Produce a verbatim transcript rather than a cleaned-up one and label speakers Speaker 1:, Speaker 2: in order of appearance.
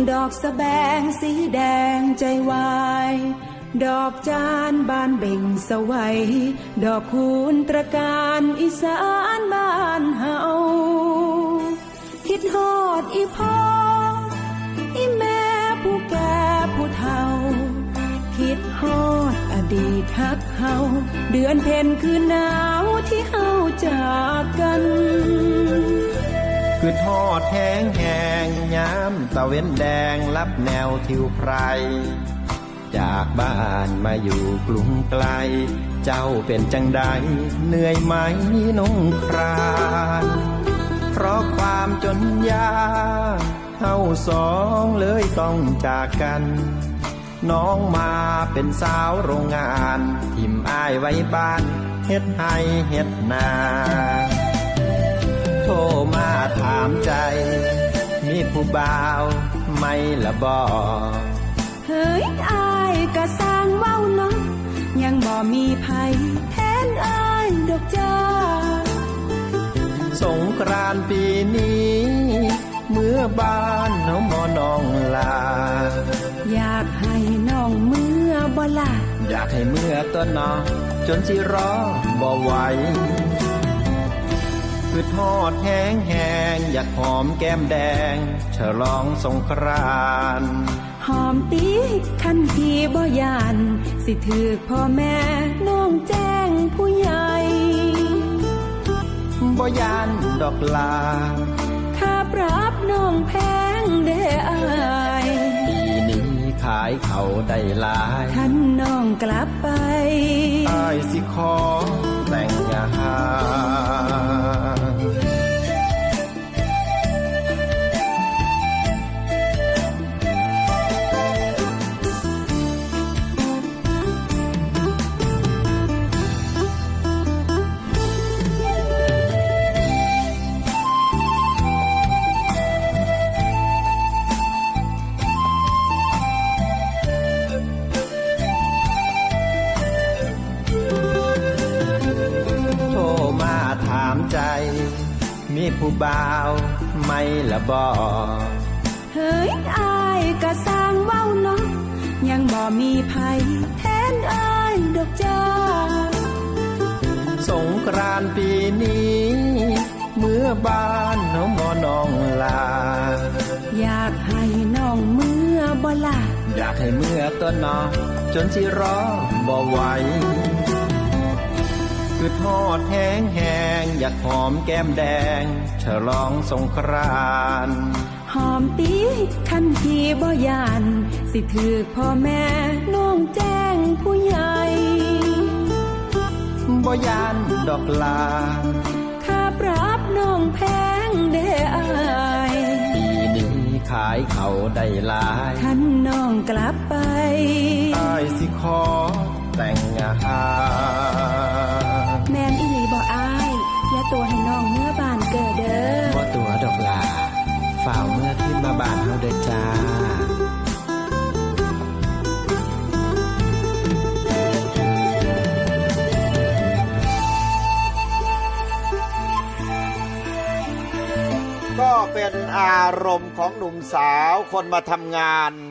Speaker 1: ดอกสะแบงสีแดงใจวายดอกจานบานเบ่งสวัยดอกคูณตระการอีสานบ้านเฮาคิดฮอดอีพ่ออีแม่ผู้แก่ผู้เฒ่าคิดฮอดอดีตฮักเฮาเดือนเพ็ญคือหนาวที่เฮาจากกัน
Speaker 2: คือทอดแห้งแห้งย้ำตะเว้นแดงลับแนวทิวไพรจากบ้านมาอยู่กรุงไกลเจ้าเป็นจังใดเหนื่อยไหมน้องครานเพราะความจนยากเฮาสองเลยต้องจากกันน้องมาเป็นสาวโรงงานทิมอ้ายไว้บ้านเฮ็ดให้เฮ็ดนาโทรมาถามใจมีผู้บ่าวไม่ละบ่
Speaker 1: เฮ้ยอายก็สร้างเว้าเนาะยังบ่มีไผแทนอายดอกจ้า
Speaker 2: สงกรานต์ปีนี้เมื่อบ้านเฮาหมอน้องลา
Speaker 1: อยากให้น้องเมื่อบ่ล่ะ
Speaker 2: อยากให้เมื่อตัวน้องจนสิรอบ่ไหวคือทอดแห้งแห้งอยากหอมแก้มแดงฉลองสงกรานต์
Speaker 1: หอมตีคันที่บ่ยานสิถือพ่อแม่น้องแจ้งผู้ใหญ่
Speaker 2: บ่ยานดอกลา
Speaker 1: ถ้าปรับน้องแพงเด้ออาย
Speaker 2: ปีนี้ขายเขาได้หลาย
Speaker 1: ท่านน้องกลับไป
Speaker 2: อายสิขอแต่งงานใจมีผู้บ่าวไม่ละบ่
Speaker 1: เฮ้ยอายก็สร้างเว้าเนาะยังบ่มีไผแทนอายดอกจ้า
Speaker 2: สงกรานต์ปีนี้เมื่อบ้านเฮาหมอน้องลา
Speaker 1: อยากให้น้องเมื่อบ่ล่ะ
Speaker 2: อยากให้เมื่อตัวน้องจนสิรอบ่ไหวคือทอดแห้งแห้งอยากหอมแก้มแดงฉลองสงกรานต์
Speaker 1: หอมตีคันที่บ่ยานสิถือพ่อแม่น้องแจ้งผู้ใหญ่
Speaker 2: บ่ยานดอกลา
Speaker 1: ถ้าปรับน้องแพงเด้ออาย
Speaker 2: ปีนี้ขายเขาได้หลาย
Speaker 1: คันน้องกลับไป
Speaker 2: อายสิขอแต่งงาน
Speaker 1: แม่นอีหลีบ่อายอย่าตัวให้น้องเมื่อบ้านเกิดเด้อ
Speaker 2: บ่ตัวดอกลาฝ่าวเมื่อขึ้นมาบ้านเฮาเด้อจ้า
Speaker 3: ก็เป็นอารมณ์ของหนุ่มสาวคนมาทำงาน